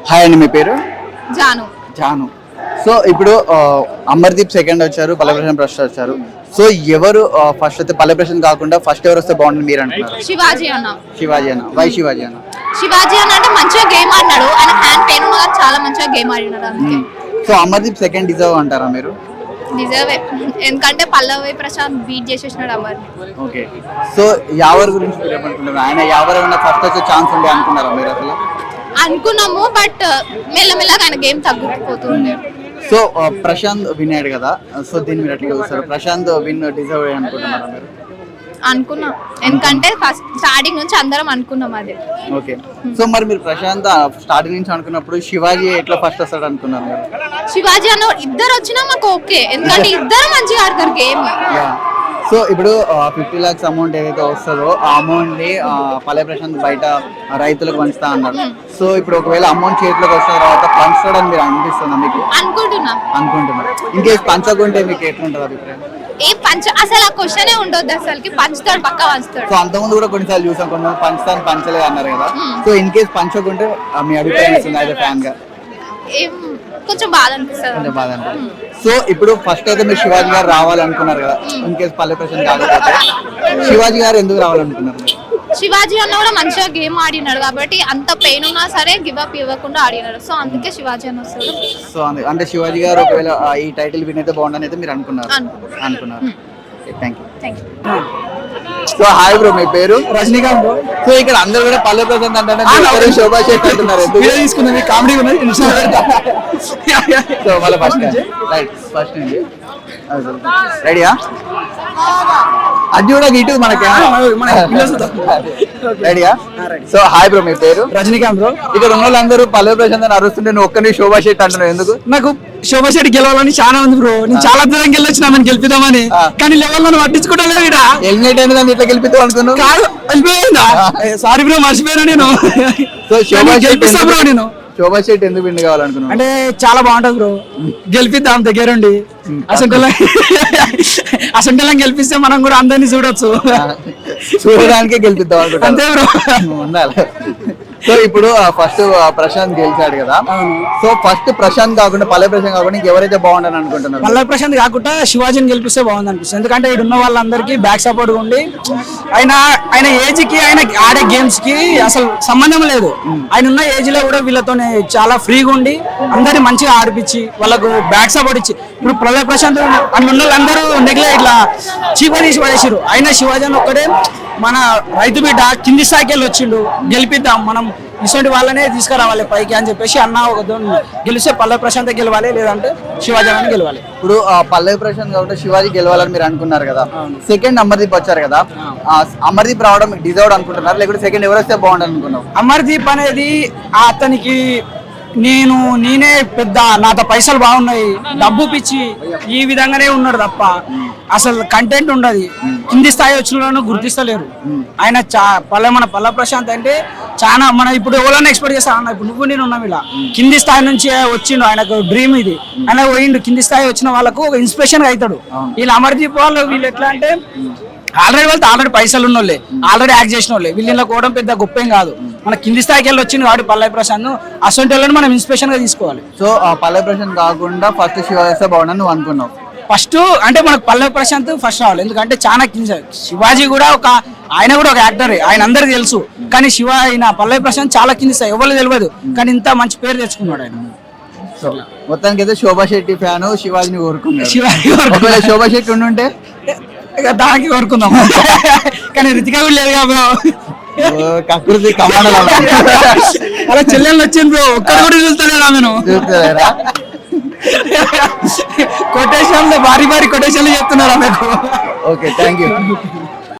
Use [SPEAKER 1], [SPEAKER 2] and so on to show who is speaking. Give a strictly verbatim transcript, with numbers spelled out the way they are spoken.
[SPEAKER 1] Hi అండి, మీ పేరు?
[SPEAKER 2] Janu.
[SPEAKER 1] Janu. So ఇప్పుడు అమర్దీప్ సెకండ్ వచ్చారు, పల్లె ప్రశాంత్ ఫస్ట్ వచ్చారు. సో ఎవరు ఫస్ట్ అయితే పల్లె ప్రశాంత్ కాకుండా ఫస్ట్ ఎవరు వస్తే బాగుంటుంది మీరు అంటున్నారు?
[SPEAKER 2] శివాజీ అన్న.
[SPEAKER 1] శివాజీ అన్న. వై శివాజీ అన్న?
[SPEAKER 2] శివాజీ అన్న అంటే మంచిగా గేమ్ ఆడినాడు, ఆయన హ్యాండ్ పెయిన్ ఉన్నా కానీ చాలా మంచిగా గేమ్ ఆడినాడు అందుకే.
[SPEAKER 1] సో అమర్దీప్ సెకండ్ డిజర్వ్ అంటారా మీరు?
[SPEAKER 2] డిజర్వే, ఎందుకంటే పల్లవి ప్రశాంత్ బీట్ చేసేసినాడు అమర్ని.
[SPEAKER 1] ఓకే. సో యావర్ గురించి మీరు ఏమనుకుంటున్నారు? ఆయన యావర్ ఏమన్నా ఫస్ట్ వచ్చే ఛాన్స్ ఉండే అనుకున్నారా మీరు అసలు?
[SPEAKER 2] అనుకున్నాము, బట్ మెల్లమెల్లగా ఆయన గేమ్ తగ్గిపోతుంది.
[SPEAKER 1] సో ప్రశాంత్ విన్ అయ్యాడు కదా, సో దీన్ని మీరు ఎట్లా చూస్తారు? ప్రశాంత్ విన్ డిజర్వ్ అనుకుంటున్నారా మీరు?
[SPEAKER 2] అనుకున్నాం, ఎందుకంటే ఫస్ట్ స్టార్టింగ్ నుంచి అందరం అనుకున్నాం అదే.
[SPEAKER 1] ఓకే. సో మరి మీరు ప్రశాంత్ స్టార్టింగ్ నుంచి అనుకున్నప్పుడు శివాజీ ఎట్లా ఫస్ట్ వస్తాడు అనుకున్నారు మీరు?
[SPEAKER 2] శివాజీ అన్న ఇద్దరు వచ్చినా మాకు ఓకే, ఎందుకంటే ఇద్దరు మంచిగా ఆడతారు గేమ్.
[SPEAKER 1] సో ఇప్పుడు ఫిఫ్టీ లాక్స్ అమౌంట్ ఏదైతే వస్తుందో ఆ అమౌంట్ ని పల్లె ప్రశాంత్ బయట రైతులకు పంచుతా అన్నారు. సో ఇప్పుడు ఒకవేళ అమౌంట్ చేతిలోకి వచ్చిన తర్వాత పంచుతాడని మీరు అనిపిస్తుందా మీకు?
[SPEAKER 2] అనుకుంటున్నా
[SPEAKER 1] అనుకుంటున్నారు. ఇంకేసి పంచకుంటే మీకు ఎట్లుంటుంది అభిప్రాయం?
[SPEAKER 2] ఏ పంచ అసలు ఆ క్వశ్చనే ఉండొద్దు, అసలుకి పంచుతాడు, పక్కా పంచుతాడు.
[SPEAKER 1] సో అంతకుముందు కూడా కొన్నిసార్లు చూసాం, కొన్ని పంచుతాను పంచలేదు అన్నారు కదా. సో ఇన్ కేసు పంచకుంటే మీ అభిప్రాయం ఇస్తుంది యాజ్ ఎ ఫ్యాన్ గా?
[SPEAKER 2] ఏం కొంచెం బాధ అనిపిస్తుంది.
[SPEAKER 1] కొంచెం బాధ అనిపిస్తుంది. సో ఇప్పుడు ఫస్ట్ అయితే మీరు శివాజీ గారు రావాలనుకున్నారు కదా, ఇన్ కేసు పల్లె ప్రశాంత్ కాకపోతే శివాజీ గారు ఎందుకు రావాలనుకున్నారు?
[SPEAKER 2] శివాజీ అన్న కూడా మంచిగా గేమ్ ఆడినాడు కాబట్టి, అంత పెయిన్ ఉన్నా సరే గివ్ అప్ ఇవ్వకుండా ఆడినాడు. సో అందుకే శివాజీ అన్న వస్తాడు.
[SPEAKER 1] సో అంటే శివాజీ గారు ఒకవేళ ఈ టైటిల్ విన్ అయితే బాగుండని అయితే మీరు అనుకున్నారు? అనుకున్నారు. Thank you.
[SPEAKER 2] Thank you.
[SPEAKER 1] So hi bro, మీ పేరు? రజనీకాంత్ బ్రో. సో ఇక్కడ అందరూ కూడా పల్లె ప్రశాంత్ అంటే శోభా శెట్టి అంటున్నారు, తీసుకున్నది కామెడీ ఉన్నది. సో మళ్ళీ ఫస్ట్ రైట్ ఫస్ట్ నుంచి రెడీయా? అది కూడా ఇటు మనకి రెడీయా? సో హాయ్ బ్రో, మీ పేరు?
[SPEAKER 3] రజనీకాంత్ బ్రో.
[SPEAKER 1] ఇక్కడ ఉన్న వాళ్ళందరూ పల్లె ప్రశాంత్ అని అరుస్తుంటే నువ్వు ఒక్కని శోభా శెట్టి అంటున్నావు ఎందుకు?
[SPEAKER 3] నాకు శోభా శెట్టి గెలవాలని చాలా ఉంది బ్రో, నేను చాలా దూరం గెలొచ్చినా మనం గెలిపిద్దామని, కానీ లెవెల్ నన్ను పట్టించుకోవడం ఇడా
[SPEAKER 1] ఎలిమినేట్ అయిన దాన్ని ఇట్లా గెలిపిద్దాం అనుకున్నాను.
[SPEAKER 3] కాదు, వెళ్ళిపోయిందా? సారీ బ్రో, మర్చిపోయాను నేను.
[SPEAKER 1] సో శోభా
[SPEAKER 3] గెలిపిస్తా బ్రో. నేను
[SPEAKER 1] శోభా శెట్టి ఎందుకు విన్ కావాలనుకున్నాను
[SPEAKER 3] అంటే చాలా బాగుంటది బ్రో, గెలిపిద్దాం దగ్గరుండి. అసలు అసలు గెలిపిస్తే మనం కూడా అందరినీ చూడొచ్చు,
[SPEAKER 1] చూడడానికే గెలిపిద్దాం అనుకుంటా.
[SPEAKER 3] అంతే బ్రో,
[SPEAKER 1] ఉండాలి. సో ఇప్పుడు ఫస్ట్ ప్రశాంత్ గెలిచాడు కదా, సో ఫస్ట్ ప్రశాంత్ కాకుండా పల్లె ప్రశాంత్ కాకుండా ఇంకెవరైతే బాగుండని అనుకుంటున్నారు?
[SPEAKER 3] పల్లె ప్రశాంత్ కాకుండా శివాజీని గెలిపిస్తే బాగుంది అనిపిస్తుంది, ఎందుకంటే ఇక్కడ ఉన్న వాళ్ళందరికీ బ్యాక్ సపోర్ట్ ఉండి ఆయన ఆయన ఏజ్ కి ఆయన ఆడే గేమ్స్ కి అసలు సంబంధం లేదు. ఆయన ఉన్న ఏజ్ లో కూడా వీళ్ళతోనే చాలా ఫ్రీగా ఉండి అందరినీ మంచిగా ఆడిపించి వాళ్ళకు బ్యాక్ సపోర్ట్ ఇచ్చి, ఇప్పుడు పల్లె ప్రశాంత్ అని ఉన్న వాళ్ళందరూ నెగ్లెక్ట్ ఇట్లా చీప తీసి పడేసారు. అయినా శివాజీ అని ఒక్కడే మన రైతు బిడ్డ కింది స్థాయికి వెళ్ళి వచ్చిండు, గెలిపిద్దాం మనం ఇటువంటి వాళ్ళనే తీసుకురావాలి పైకి అని చెప్పేసి అన్న ఒక గెలిస్తే పల్లె ప్రశాంత్ గెలవాలి, లేదంటే శివాజీ అని గెలవాలి.
[SPEAKER 1] ఇప్పుడు పల్లె ప్రశాంత్ కాబట్టి శివాజీ గెలవాలని మీరు అనుకున్నారు కదా, సెకండ్ అమర్దీప్ వచ్చారు కదా, అమర్దీప్ రావడం డిజర్వ్ అనుకుంటున్నారు లేకపోతే సెకండ్ ఎవరు వస్తే బాగుంటుంది అనుకున్నావు?
[SPEAKER 3] అమర్దీప్ అనేది అతనికి నేను నేనే పెద్ద నాతో పైసలు బాగున్నాయి డబ్బు పిచ్చి ఈ విధంగానే ఉన్నాడు తప్ప అసలు కంటెంట్ ఉండదు. కింది స్థాయి వచ్చిన గుర్తిస్తలేరు. ఆయన చా పల్లె మన పల్లె ప్రశాంత్ అంటే చాలా మన ఇప్పుడు ఎవరైనా ఎక్స్పెక్ట్ చేస్తా అన్న, ఇప్పుడు నువ్వు నేను ఉన్నాం ఇలా కింది స్థాయి నుంచి వచ్చిండు, ఆయనకు డ్రీమ్ ఇది, ఆయన పోయిండు కింది స్థాయి వచ్చిన వాళ్ళకు ఒక ఇన్స్పిరేషన్ అవుతాడు. వీళ్ళు అమర్దీప్ వాళ్ళు వీళ్ళు ఎట్లా అంటే ఆల్రెడీ వెళ్తే ఆల్రెడీ పైసలు ఉన్న వాళ్ళే, ఆల్రెడీ యాక్ట్ చేసిన వాళ్ళే, వీళ్ళని కోవడం పెద్ద గొప్ప ఏం కాదు. మన కింది స్థాయికి వెళ్ళి వచ్చింది కాబట్టి పల్లె ప్రశాంత్ అసొంటి వాళ్ళని మనం ఇన్స్పిరేషన్ గా తీసుకోవాలి.
[SPEAKER 1] సో పల్లె ప్రశాంత్ కాకుండా ఫస్ట్ శివాజీ వస్తే బాగుండని నువ్వు అనుకున్నావు?
[SPEAKER 3] ఫస్ట్ అంటే మనకు పల్లె ప్రశాంత్ ఫస్ట్ రావాలి, ఎందుకంటే చాలా కింద. శివాజీ కూడా ఒక ఆయన కూడా ఒక యాక్టర్, ఆయన అందరికి తెలుసు, కానీ శివ ఆయన పల్లె ప్రశాంత్ చాలా కింది స్థాయి, ఎవరు తెలియదు, కానీ ఇంత మంచి పేరు తెచ్చుకున్నాడు ఆయన.
[SPEAKER 1] సో మొత్తానికి అయితే శోభా శెట్టి ఫ్యాన్ శివాజీని కోరుకున్నాడు.
[SPEAKER 3] శివాజీ
[SPEAKER 1] ఒకవేళ శోభా శెట్టి ఉండుంటే
[SPEAKER 3] దానికి కోరుకుందాం, కానీ రితిక కూడా లేదు కదా
[SPEAKER 1] కకృతి కమాండల
[SPEAKER 3] అలా చెల్లెళ్ళు వచ్చింది బ్రో, ఒక్కరు కూడా చూస్తలేదా నేను
[SPEAKER 1] చూస్తలేరా?
[SPEAKER 3] కొటేషన్లు భారీ భారీ కొటేషన్లు చెప్తున్నారు ఆమెకు.
[SPEAKER 1] Okay, thank you.